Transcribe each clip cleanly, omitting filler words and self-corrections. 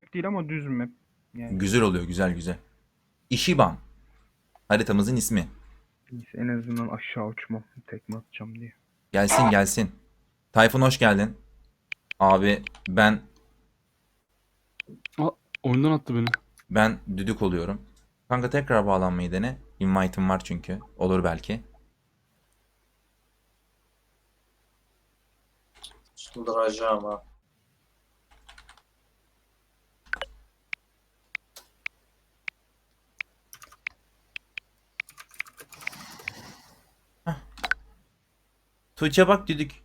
map değil ama düz map. Yani Güzel oluyor, güzel güzel. Ishiban. Haritamızın ismi. neyse, en azından aşağı uçmam. Tekme atacağım diye. Gelsin gelsin. Tayfun hoş geldin. Abi Aa, oyundan attı beni. ben düdük oluyorum. Kanka tekrar bağlanmayı dene. Invite'ım var çünkü. Olur belki. Çıldıracağım ha. Tuğçe bak düdük.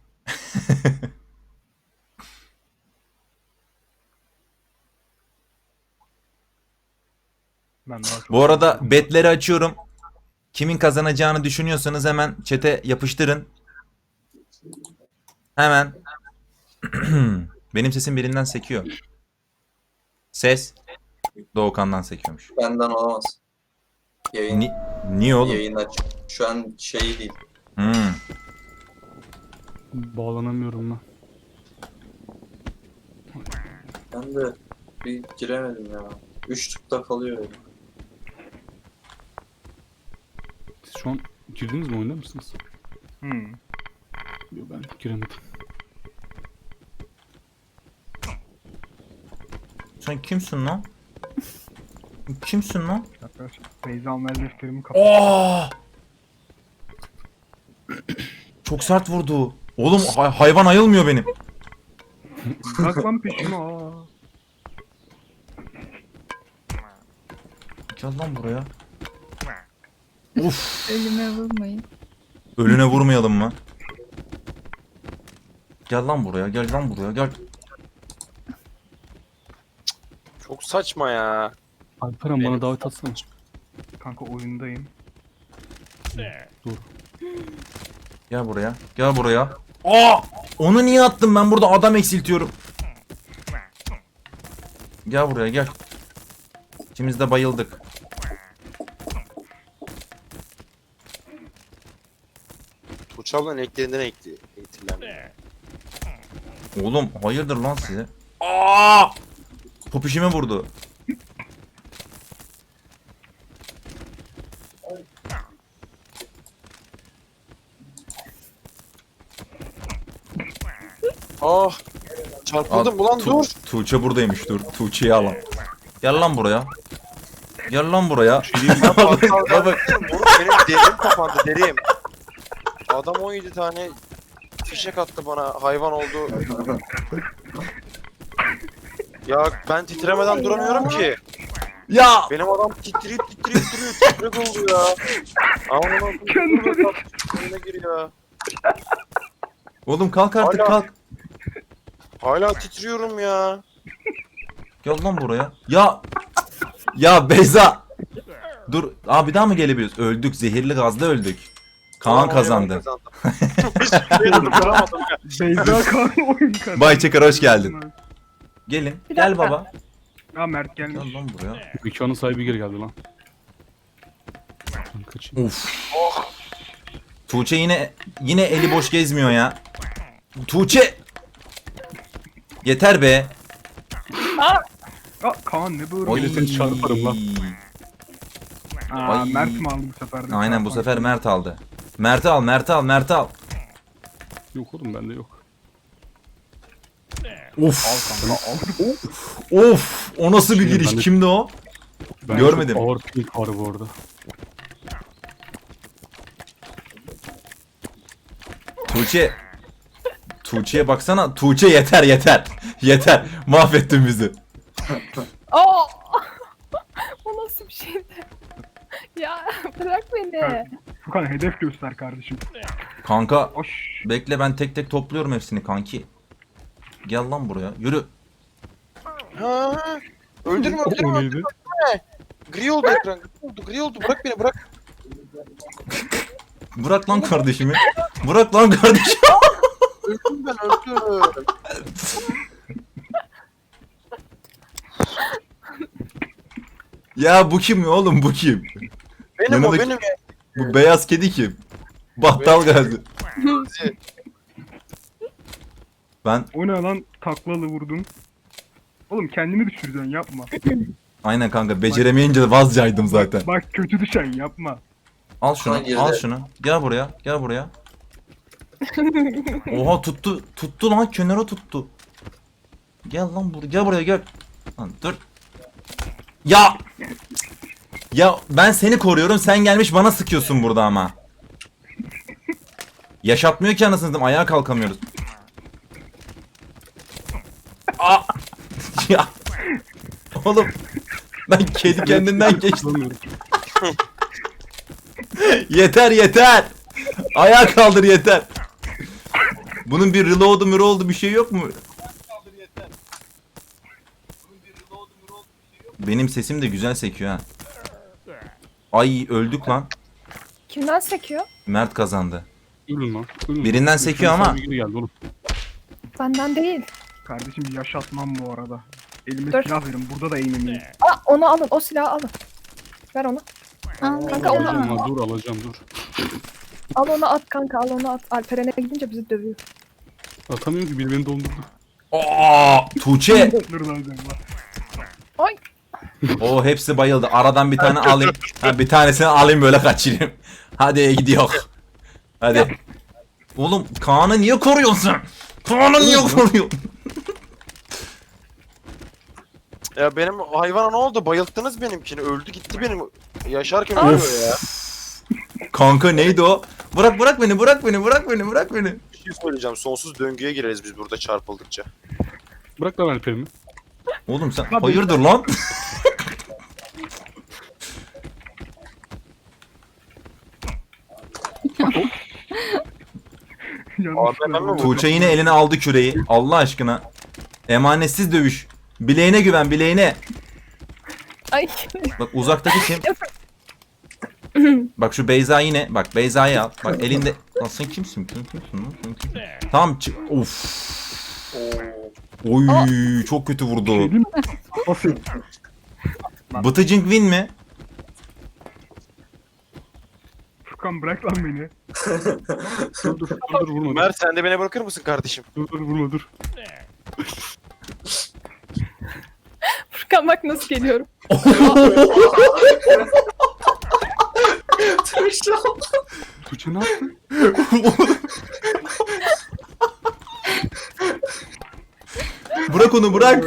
Ben daha çok Bu arada betleri açıyorum. Kimin kazanacağını düşünüyorsanız hemen chat'e yapıştırın. Hemen. Benim sesim birinden sekiyor. Ses Doğukan'dan sekiyormuş. Benden olamaz. Yayın, Niye oğlum? yayın aç. Şu an şey değil. Hmm. Bağlanamıyorum ben. Ben de bir giremedim ya. 3 tıkta kalıyor öyle. Siz şu an girdiniz mi, oyunda mısınız? Hmm. Yok, ben giremedim. Sen kimsin lan? Kimsin lan? Arkadaşlar Beyza amel defterimi kapat. Oh! Çok sert vurdu. Oğlum hayvan ayılmıyor benim. Bak lan peşime. Aa. Gel lan buraya. Uf. Ölüme vurmayın. Ölüne vurmayalım mı? Gel lan buraya, gel lan buraya, gel. Çok saçma ya. Alperen bana davet atsana. Kanka oyundayım. Dur. Gel buraya, gel buraya. Aa! Onu niye attım ben burada adam eksiltiyorum. Gel buraya gel. İkimiz de bayıldık. Tuğçe ablanın eklerinden eğitilen. Oğlum hayırdır lan size? Aa! Popişime vurdu. Ah! Çarpıldım ulan dur. Tuğçe buradaymış dur. Tuğçe'yi alalım. Gel lan buraya. Gel lan buraya. Bak, Moruk benim derim kapandı derim. Adam 17 tane fişek attı bana, hayvan oldu. Ya ben titremeden duramıyorum ki. Ya! Benim adam titreyip duruyor. Titrek oldu ya. Aman kendine gir ya. Oğlum kalk artık Hala- kalk. Hala titriyorum ya. Gel lan buraya. Ya! Ya Beyza! Dur. Aa bir daha mı gelebiliyoruz? Öldük. Zehirli gazda öldük. Kaan Tamam, kazandı. Hiçbir şey durduramadım ya. Beyza Kaan oyun kazandı. Bay Çakar hoş geldin. Gelin. Bir Gel dakika. baba. Aa Mert gelmiş. Gel lan buraya. Mekanın sahibi geri geldi lan. Ben kaçayım. Uf. Tuğçe yine eli boş gezmiyor ya. Tuğçe! Yeter be. Aa Kaan ne böyle? Oy. Seni çarparım lan. Aa Ay. Mert mi aldı bu sefer de? Aynen bu sefer Mert aldı. Mert'i al, Mert'i al, Mert'i al. Yok oğlum, bende yok. Of. Al kanka al. Of. O nasıl bir giriş? Ben de- Kimdi o? Ben Görmedim. Çok ağır pink var bu arada. Tuğçe. Tuğçe'ye baksana. Tuğçe yeter yeter. Yeter. Mahvettin bizi. Oo! O nasıl bir şeydi? Ya bırak beni. Furkan hedef göster kardeşim. Kanka Hoş. bekle ben tek tek topluyorum hepsini kanki. Gel lan buraya. Yürü. Ha, öldürme O öldürme. neydi? Gri oldu ekran. Gri oldu. Bırak beni bırak. Bırak lan kardeşimi. Bırak lan kardeşim. Öldüm ben öldüm. Ya bu kim ya oğlum bu kim? Benim o Yanındaki- benim ya. Bu beyaz kedi kim? Battal Gazi. Ben O ne lan taklalı vurdum. Oğlum kendimi düşüreceksin yapma. Aynen kanka beceremeyince vazcaydım zaten. Bak kötü düşen yapma. Al şunu, Hayır. al şunu. Gel buraya, gel buraya. Oha tuttu, tuttu lan kenara tuttu. Gel lan buraya, gel buraya gel. Lan dur. Ya! Ya ben seni koruyorum, sen gelmiş bana sıkıyorsun burada ama. Yaşatmıyor ki anasını satayım, ayağa kalkamıyoruz. Aa! Ya! Oğlum! Ben kedi kendinden geçtim. Bulamıyorum. Yeter yeter. Ayağa kaldır yeter. Bunun bir reload'u bir şey yok mu? Benim sesim de güzel sekiyor ha. Ay öldük lan. Kimden sekiyor? Mert kazandı. Ölün lan. Ölün. Birinden sekiyor ama. Geri geldi oğlum. Benden değil. Kardeşim yaşatmam bu arada. Elime Dur. silah verin. Burada da eğimim iyi. Aa, onu alın. O silahı alın. Ver onu. Kanka onu Alacağım lan, dur alacağım dur. al, onu at kanka, al onu at. Alperen'e gidince bizi dövüyor. Atamıyorum ki biri beni dondurdu. Aa, Tuğçe. Dur lan sen bak. Ay. O hepsi bayıldı. Aradan bir tane alayım. Ha, bir tanesini alayım böyle kaçırayım. Hadi gidiyor. Hadi. Oğlum Kaan'ı niye koruyorsun? Kaan'ı niye koruyorsun? Ya benim hayvana ne oldu? Bayılttınız benimkini. Öldü gitti benim. Yaşarken ölüyor ya. Kanka neydi o? Bırak beni, bırak beni, bırak beni, bırak beni. Bir şey söyleyeceğim. Sonsuz döngüye gireriz biz burada çarpıldıkça. Bırak lan Alper'imi. Oğlum sen hayırdır lan? Yanlış ben mi vurdum? Tuğçe yine eline aldı küreği. Allah aşkına. Emanetsiz dövüş. Bileğine güven, bileğine. Ay. Bak uzaktaki kim? Bak şu Beyza yine. Bak Beyza'yı al. Bak elinde. Lan sen kimsin? Sen kimsin lan? Sen kimsin? Tamam çık. Of. Oy çok kötü vurdu. Şey değil mi? Nasıl? Bıtıcink win mi? Furkan bırak lan beni. Dur vurma. Mert sen de beni bırakır mısın kardeşim? Dur vurma dur. Furkan bak nasıl geliyorum. Tuğçe ne yaptın? Bırak onu bırak.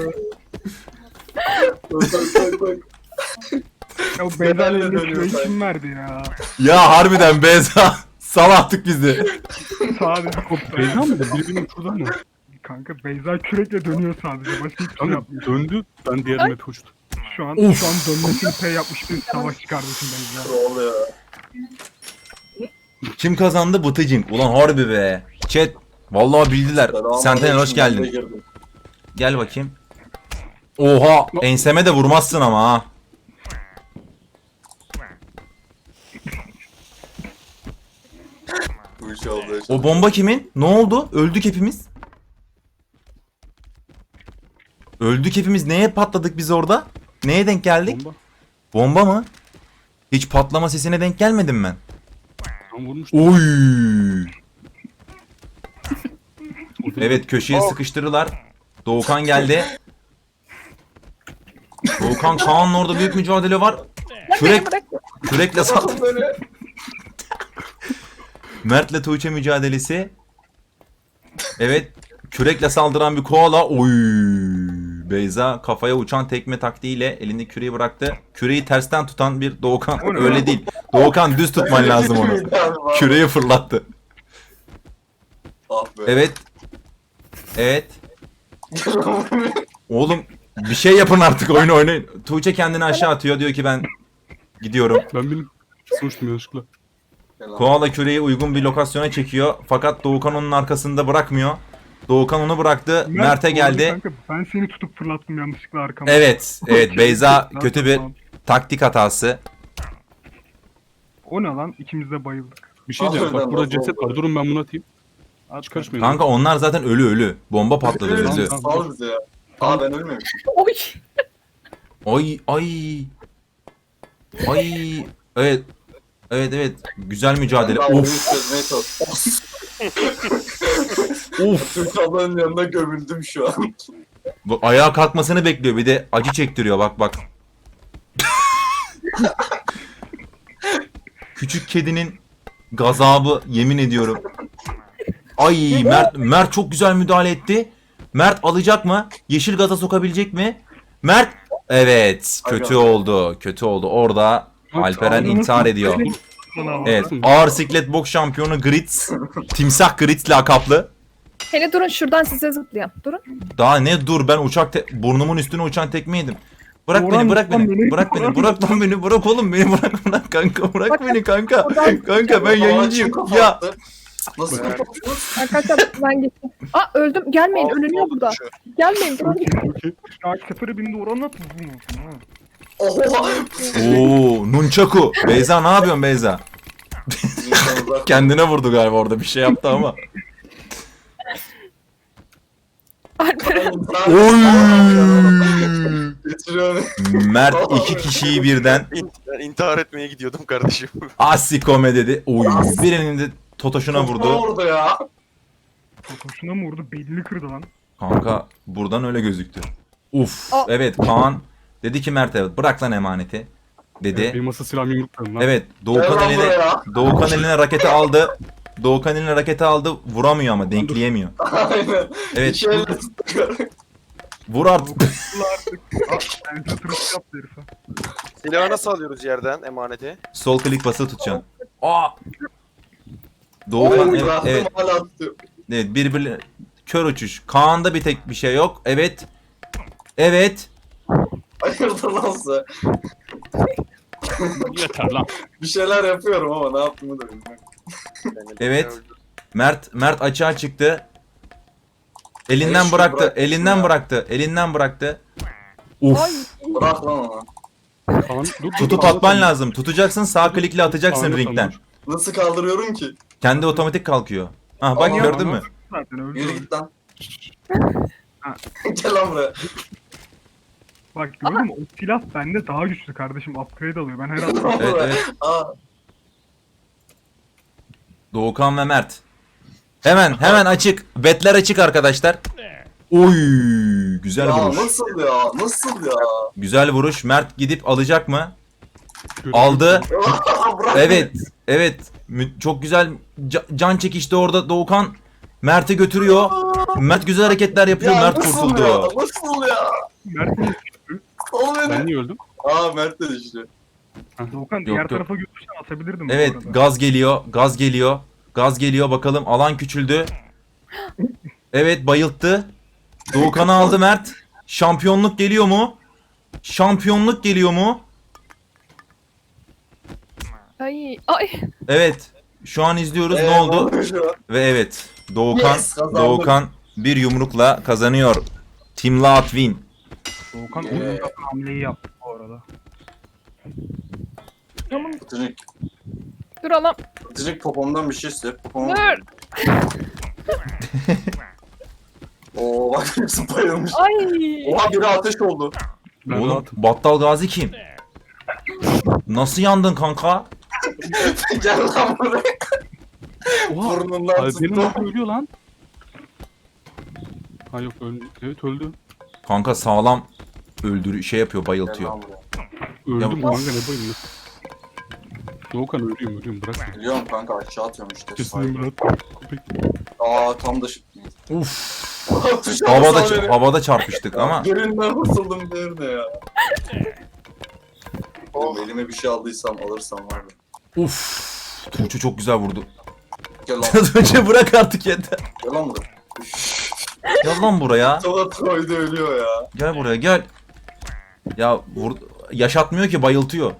Ya bu Beyza'yla elime küreği kim verdi ya? Ya harbiden Beyza. Sal artık bizi. Sadece Beyza mıydı? Biri benim şuradan mı? Kanka Beyza kürekle dönüyor sadece. Başka hiçbir şey Kanka yapmıyor. döndü. Ben diğer map'e uçtum. Şu an Of. dönmesini P yapmış bir savaşçı kardeşim Beyza. Ne oluyor? Kim kazandı? Bıtıcink. Ulan harbi be. Chat. Vallahi bildiler. Sentinel hoş geldin. Gel bakayım. Oha. Enseme de vurmazsın ama ha. Bu iş oldu. O bomba kimin? Ne oldu? Öldük hepimiz. Öldük hepimiz. Neye patladık biz orada? Neye denk geldik? Bomba. Bomba mı? Hiç patlama sesine denk gelmedim ben. Tam vurmuştum. Oy. Evet köşeye sıkıştırırlar. Doğukan geldi. Doğukan Kaan'la orada büyük mücadele var. Kürek, Bırak. kürekle sal. Mert'le Tuğçe mücadelesi. Evet. Kürekle saldıran bir koala. Oy. Beyza kafaya uçan tekme taktiğiyle elinde küreği bıraktı. Küreği tersten tutan bir Doğukan. O ne Öyle lan? değil. Doğukan düz tutman lazım onu. Küreği fırlattı. Ah be. Evet. Evet. Oğlum bir şey yapın artık oyunu oynayın. Tuğçe kendini aşağı atıyor diyor ki ben gidiyorum. Ben benim uçtum yanlışlıkla. Koala küreği uygun bir lokasyona çekiyor. Fakat Doğukan onun arkasında bırakmıyor. Doğukan onu bıraktı. Mert'e doğru geldi. Kanka, ben seni tutup fırlattım yanlışlıkla arkama. Evet. Evet Beyza Nasıl kötü bir tamam. taktik hatası. O ne lan? İkimiz de bayıldık. Bir şey diyeceğim. Bak burada ceset var. Durun ben bunu atayım. At Hiç karışmayın. Kanka onlar zaten ölü. Bomba patladı öldü. Sal bize ya. Aa ben ölmemişim. Oy. Ay ay. Ay. Evet. Evet. Güzel mücadele. Ben oyunu Of. çözmeye çalışıyorum. Of. Türk ablanın yanında gömüldüm şu an. Bu ayağa kalkmasını bekliyor. Bir de acı çektiriyor. Bak bak. Küçük kedinin gazabı, yemin ediyorum. Ay Mert çok güzel müdahale etti. Mert alacak mı? Yeşil gaza sokabilecek mi? Mert evet, kötü oldu. Kötü oldu. Orada Alperen intihar ediyor. Evet, ağır siklet boks şampiyonu Grits. Timsah Grits lakaplı. Hele durun şuradan size zıplayayım. Durun. Daha ne dur, ben burnumun üstüne uçan tekme yedim. Bırak beni, bırak beni, bırak beni, bırak lan beni, bırak oğlum beni, bırak kanka, bırak beni kanka. Kanka ben yayıncıyım. Ya Nasıl kapattınız? Arkadaşlar ben geçtim. Aa öldüm. Gelmeyin. Ölünüyor burada. Gelmeyin. Durun. Ya sefere bindi oranla tutulmuş. Oha! ooo nunchaku. Beyza ne yapıyorsun Beyza? Kendine vurdu galiba, orada bir şey yaptı ama. Alperen. Oy! Getiriyorum. Mert iki kişiyi birden Ben intihar etmeye gidiyordum kardeşim. asikome dedi. Oy, birinin de totoşuna Ne vurdu. oldu ya? Hoşuna mı vurdu? Belini kırdı lan. Kanka buradan öyle gözüktü. Uf, Aa. evet Kaan dedi ki Mert'e bırak lan emaneti dedi. Benim masa silahımı yumruklarım lan. Evet, Gel Doğukan lan eline buraya. Doğukan eline raketi aldı. Doğukan eline raketi aldı, vuramıyor ama denkleyemiyor. Aynen. Evet, İki elle tuttuk. vur artık. Ulan artık. Ben satırış yaptı herife. Silahı nasıl alıyoruz yerden emaneti? Sol klik basılı tutacaksın. Aa! Doğukan Oy, evet, bıraktım evet, hala atıyor. evet birbirine kör uçuş. Kaan'da bir tek bir şey yok. Evet. Evet. Hayırdır lan sen? Yeter lan. Bir şeyler yapıyorum ama ne yaptığımı da bilmiyorum. Evet. Mert açığa çıktı. Elinden Evet, şunu bıraktı. bırak Elinden ya. bıraktı. Elinden bıraktı. Ay. Uf. Bırak lan onu. Kaan dur. Tutup atman lazım. Tutacaksın, sağ klikle atacaksın Kaan'ı ringden. tanır. Nasıl kaldırıyorum ki? Kendi otomatik kalkıyor. Ah bak Aa, gördün mü? Zaten öldü. Yürü git lan. Ha. Gel lan buraya. Bak gördün mü? O silah bende daha güçlü kardeşim. Upgrade alıyor. Ben her an Lan Evet, buraya. evet. Aa, Doğukan ve Mert. Hemen açık. Betler açık arkadaşlar. Oy, güzel ya vuruş. nasıl ya? Nasıl ya? Güzel vuruş. Mert gidip alacak mı? Görüyorum. Aldı. Bırak Evet. Evet. Çok güzel can çekişti orada Doğukan. Mert'i götürüyor. Mert güzel hareketler beni. yapıyor. Ya Mert nasıl kurtuldu. ya? Nasıl ya? Mert'in Ol Ben beni. niye öldüm? Aa Mert de düştü. Doğukan yok. diğer tarafa götürsen atabilirdim Evet, bu arada. gaz geliyor. Gaz geliyor. Gaz geliyor, bakalım alan küçüldü. Evet, bayılttı. Doğukan'ı aldı Mert. Şampiyonluk geliyor mu? Şampiyonluk geliyor mu? Ay. Ay. Evet. Şu an izliyoruz. Ne Ne oldu? oldu şu an? Ve evet. Doğukan Yes, kazandık. Doğukan bir yumrukla kazanıyor. Team Loud win. Doğukan oyunda hamleyi yaptı bu arada. Pıtırcık. Dur alam. Pıtırcık popomdan bir şey istiyor. Popomdan. Dur. Oo bak hepsi bayılmış. Ay. Oha biri ateş oldu. Ben Oğlum, rahatım. Battal Gazi kim? Nasıl yandın kanka? Gel lan buraya. Oha. Burnundan Alper'in tuttu. orada ölüyor lan. Ha yok öldü. Evet öldü. Kanka sağlam şey yapıyor, Gel bayıltıyor. lan buraya. Öldüm Ya- kanka ne bayılıyor. Doğukan ölüyorum bırak beni. Biliyorum kanka aşağı atıyorum işte. Kesin Murat. Köpek. Aa tam da Uf. Tuşa basar beni. Havada çarpıştık ama Gerinden kurtuldum derine ya. Oğlum elime bir şey aldıysam alırsam var ya. uf. Tuğçe çok güzel vurdu. Gel lan. Tuğçe bırak artık yeter. Gel lan buraya. Gel lan buraya. Sola Troy'da ölüyor ya. Gel buraya gel. Ya yaşatmıyor ki, bayıltıyor.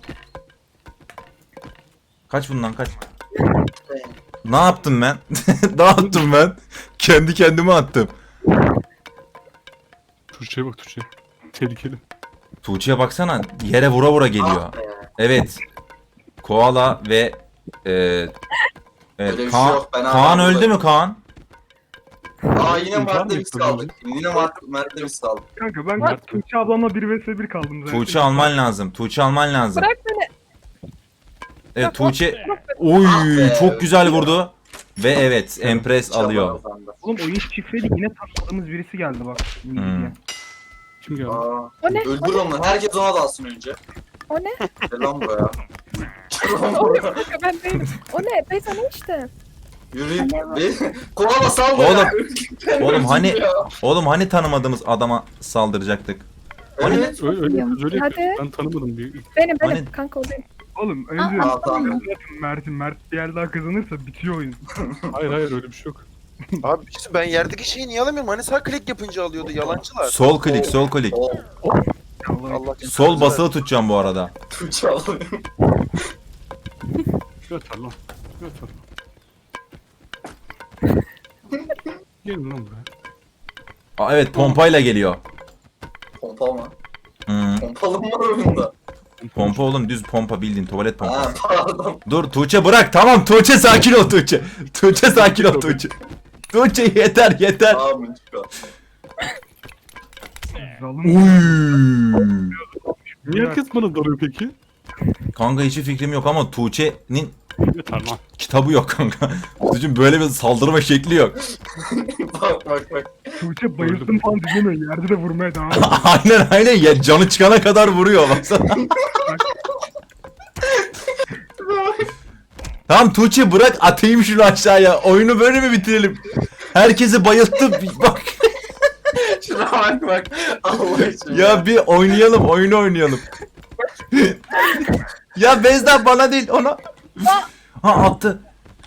Kaç bundan kaç. Ne yaptım ben? Ne yaptım ben? Kendi kendime attım. Türkçe'ye bak Türkçe. Tehlikeli. Tuğçe'ye baksana, yere vura vura geliyor. Evet. Koala ve evet, Öyle bir şey Kaan, yok, ben Kaan hala öldü mü Kaan? Aa yine İntihar mı Mert'le biz yapıyorsun kaldık. Yine Mert'le biz kaldık. Kanka ben Mert- Tuğçe ablamla 1 vs 1 kaldım zaten. Tuğçe alman lazım. Tuğçe alman lazım. Bırak beni. Evet Bırak, Tuğçe. bırak beni. Oy, Ah be. çok güzel vurdu. Ve evet, Empress alıyor. Oğlum oyun şifreli yine takmadığımız birisi geldi bak. Hmm. Kim geldi? Aa, O ne? öldür onu. Herkes ona dalsın önce. O ne? Gel lan buraya. Gel lan O ne? buraya. Kanka ben değilim. O ne? Beyza ne işte? Yürüyün. Kovala sal Oğlum, bana. oğlum hani Ya. oğlum hani tanımadığımız adama saldıracaktık. Evet. Öyle öyle Hadi. yapıyorsun. Ben tanımadım bir. Benim Hani- kanka o benim. Oğlum önce Aa, tamam. Mert bir yer daha kazanırsa bitiyor oyun. Hayır öyle bir şey yok. Abi işte ben yerdeki şeyi niye alamıyorum? Hani sağ klik yapınca alıyordu yalancılar. Sol klik, sol klik. O Allah Sol basılı tutacağım bu arada. Tuğçe alayım. Göter lan. Göter. Gelin lan buraya. Aa, evet pompayla geliyor. Pompa mı? Hmm. Pompalı mı var oyunda? Pompa oğlum, düz pompa, bildiğin tuvalet Ha pompası. pardon. Dur Tuğçe bırak, tamam Tuğçe sakin ol Tuğçe. Tuğçe sakin ol Tuğçe. Tuğçe yeter. Tamam çıkar. Zalım. Uy. Niye herkes bana darıyor peki? Kanka hiçbir fikrim yok ama Tuğçe'nin Yeter lan. kitabı yok kanka. Tuğçe'nin böyle bir saldırma şekli yok. Bak. Tuğçe bayıldım falan dinlemiyor. Yerde de vurmaya devam ediyor. aynen ya, canı çıkana kadar vuruyor baksana. Tamam Tuğçe bırak, atayım şunu aşağıya. Oyunu böyle mi bitirelim? Herkesi bayılttı. Bak Şuna bak. Allah için. ya, bir oynayalım, oyunu oynayalım. Ya Bezda bana değil, ona. Ha attı.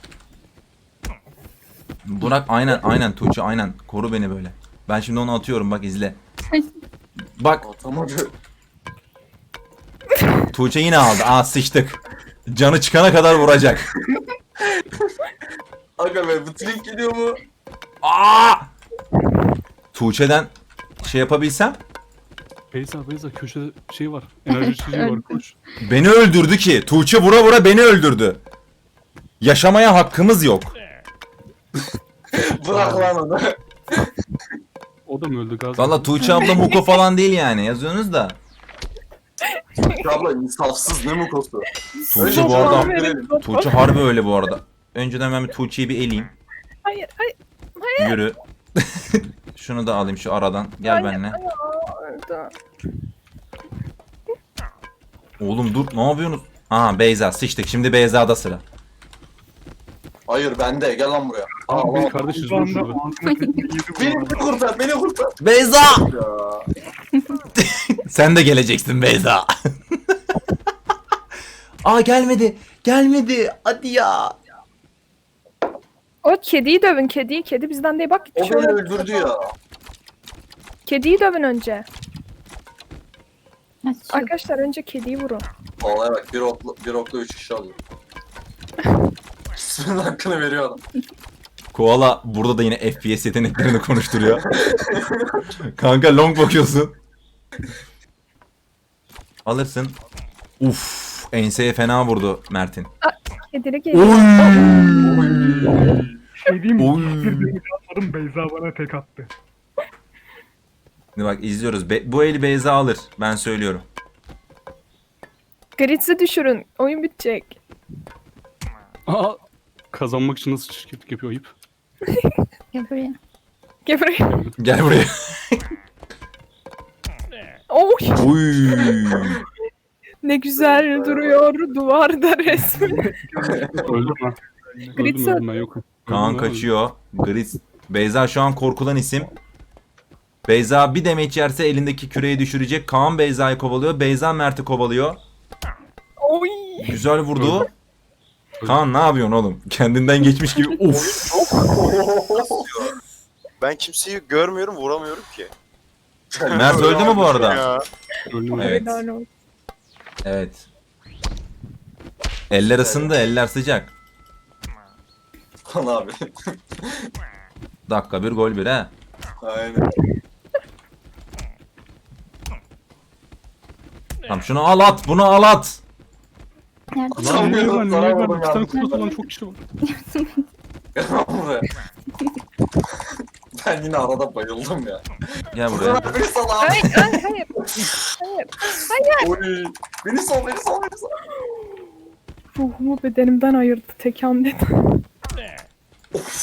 Burak aynen Tuğçe aynen. Koru beni böyle. Ben şimdi onu atıyorum, bak izle. Bak Atamadı. Tuğçe yine aldı. Aa sıçtık. Canı çıkana kadar vuracak. Aga be bu trink gidiyor mu? Aa! Tuğçe'den şey yapabilsem. Beyza köşede şey var. Enerji içeceği var koş. Beni öldürdü ki. Tuğçe vura vura beni öldürdü. Yaşamaya hakkımız yok. Bırak lan onu. O da mı öldü Gazi? Valla Tuğçe abla Muko falan değil yani. Yazıyorsunuz da. Tuğçe abla insafsız ne mukosu. Tuğçe bu Baba arada. verin, baba. Tuğçe harbi öyle bu arada. Önceden ben bir Tuğçe'yi bir eleyeyim. Hayır. Yürü. Şunu da alayım şu aradan. Gel Hayır, benimle. Öldü. Oğlum dur, ne yapıyorsunuz? Aha Beyza sıçtık. Şimdi Beyza'da sıra. Hayır bende gel lan buraya. Abi Allah. benim kardeşiz Şu dur anda şurada. ağzına tekmeyi yedi bu Beni arada. kurtar. Beyza! Ya. Sen de geleceksin Beyza. Aa gelmedi. Hadi ya. O kediyi dövün kediyi. Kedi bizden değil bak. O beni şöyle- öldürdü ya. Kediyi dövün önce. Açıyor. Arkadaşlar önce kediyi vurun. Vallahi bak bir okla 3 kişi alıyor. İsminin hakkını veriyor adam. Koala burada da yine FPS yeteneklerini konuşturuyor. Kanka long bakıyorsun. Alırsın. Uf, enseye fena vurdu Mert'in. Kedili geliyor. Şey diyeyim mi? Oy. Bir dönüş atmadım, Beyza bana tek attı. Şimdi bak izliyoruz. Bu eli Beyza alır. Ben söylüyorum. Gritz'i düşürün. Oyun bitecek. Aa, kazanmak için nasıl çirkeflik yapıyor ayıp. Gel buraya. Gel buraya. Gel buraya. Oy. Uy. Ne güzel duruyor duvarda resmi. Öldüm lan. Gritz Öldüm ben yokum. Kaan Öldüm lan, kaçıyor. Gritz. Beyza şu an korkulan isim. Beyza bir demeç yerse elindeki küreyi düşürecek. Kaan Beyza'yı kovalıyor. Beyza Mert'i kovalıyor. Oy. Güzel vurdu. Kaan ne yapıyorsun oğlum? Kendinden geçmiş gibi. Uf. Ben kimseyi görmüyorum vuramıyorum ki. Mert öldü mü bu arada? Ya. Öldüm. Evet. Helal olsun. Evet. Eller ısındı, eller sıcak. Lan abi. Dakika bir gol bir ha. Aynen. Tamam şunu al at, bunu al at. Nerede? Lan niye ben? Sana Niye ben? vurdum İki tane ya. kutu olan çok kişi var. Gel lan buraya. Ben yine arada bayıldım ya. Gel buraya. Bırak beni sal abi. Hayır. Hayır. Oy. Beni sal. Ruhumu bedenimden ayırdı tek hamlede.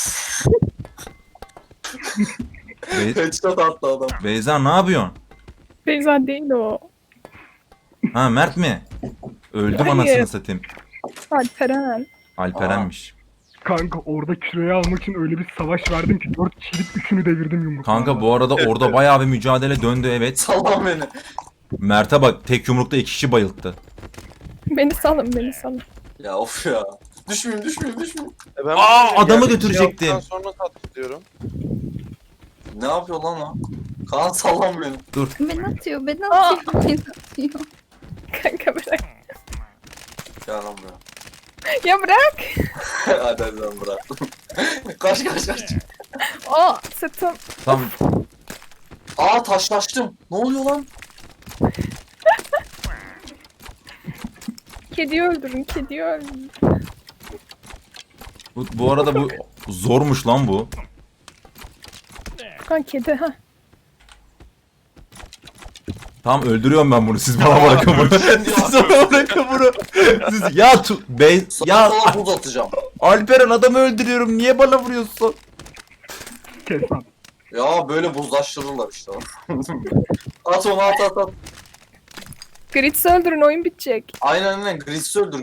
Be- Headshot attı adam. Beyza ne yapıyorsun? Beyza değil o. Ha Mert mi? Öldüm Hayır. anasını satayım. Alperen. Alperen'miş. Kanka orada küreği almak için öyle bir savaş verdim ki 4 kişilik 3'ünü devirdim yumruklarla. Kanka bu arada orada bayağı bir mücadele döndü evet. Sallan beni. Mert'e bak tek yumrukta 2 kişi bayılttı. Beni salın beni salın. Ya of ya. Düşmeyeyim. Ben adamı geldim, götürecektim. şey yaptıktan sonra tatlı diyorum. Ne yapıyor lan o? Kaan sallan beni. Beni atıyor, beni atıyor, beni atıyor. Kanka bırak. Gel lan buraya. Ya bırak. Hadi lan bırak. kaç. Aa sırtım. Tam Aa taşlaştım. Ne oluyor lan? Kediyi öldürün kediyi öldürün. bu arada bu zormuş lan bu. Kan kedi ha. Tamam öldürüyorum ben bunu. Siz bana bırakın bunu. Siz bana bırakın bunu. Siz ya ya Sana buz atacağım. Alperen adamı öldürüyorum. Niye bana vuruyorsun? Kes lan. Ya böyle buzlaştırırlar işte. at onu at. Gritz'i öldürün oyun bitecek. Aynen. Gris'i öldür.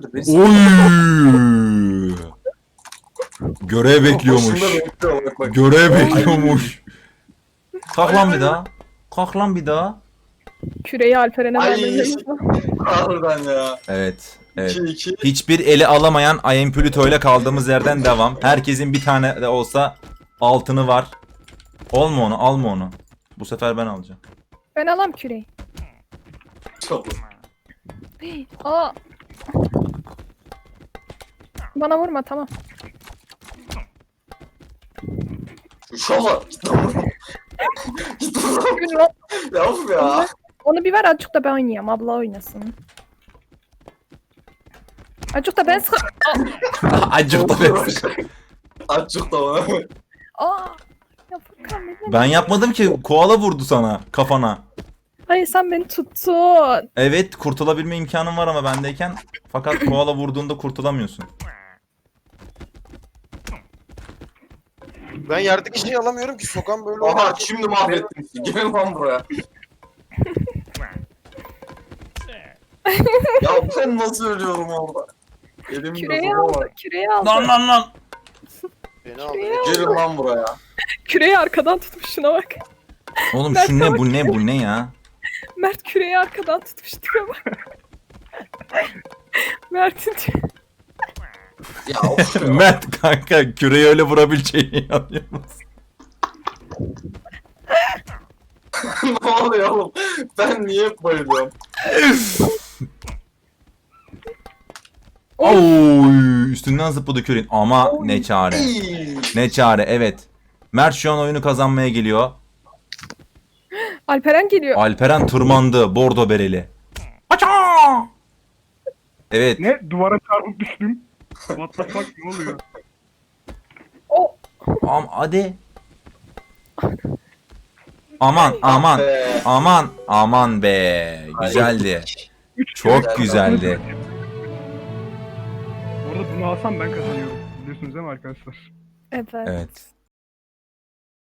Oy! Görev bekliyormuş. Başında bekliyor, bak. Görev bekliyormuş. Kalk lan bir daha. Kalk lan bir daha. Küreyi Alperen'e Ay. vermemiz Harbiden ya. Evet. Evet. 2-2. Hiçbir eli alamayan I Am Pluto ile kaldığımız yerden devam. Herkesin bir tane de olsa altını var. Alma onu, alma onu. Bu sefer ben alacağım. Ben alam küreyi. Çabuk. Aa. Bana vurma tamam. Şu an. Git lan. Gün lan. Ya of ya. Onu bir ver azıcık da ben oynayayım. Abla oynasın. Azıcık da ben sık... Acık da ben. Azıcık da bana. Aa. Ya Furkan beni... Ben yapmadım ki. Koala vurdu sana, kafana. Hayır sen beni tuttun. Evet, kurtulabilme imkanın var ama bendeyken. Fakat koala vurduğunda kurtulamıyorsun. Ben yerdeki şeyi alamıyorum ki sokan böyle Aha oynar. şimdi mahvettin. Gelin lan buraya. Ya ben nasıl ölüyorum orada? Elimde Küreyi zoba aldı. var. Küreyi aldı. Lan. Beni aldı. Gelin lan buraya. Küreyi arkadan tutmuş şuna bak. Oğlum Ben şu ne sana bu ne bu ne ya? Mert küreyi arkadan tutmuş tipe bak. Mert'in Ya of ya. Mert kanka küreği öyle vurabileceğini inanıyor musun? Ne oluyor oğlum? Ben niye hep bayılıyorum? Oy üstünden zıpladı küreğin ama ne çare. İyi. Ne çare evet. Mert şu an oyunu kazanmaya geliyor. Alperen geliyor. Alperen tırmandı bordo bereli. Aça! Evet. Ne? Duvara çarpıp düştüm. What the fuck ne oluyor? O Hadi. Aman aman be. Güzeldi. Çok güzeldi. Bu arada bunu alsam ben kazanıyorum. Biliyorsunuz değil mi arkadaşlar? evet. Evet.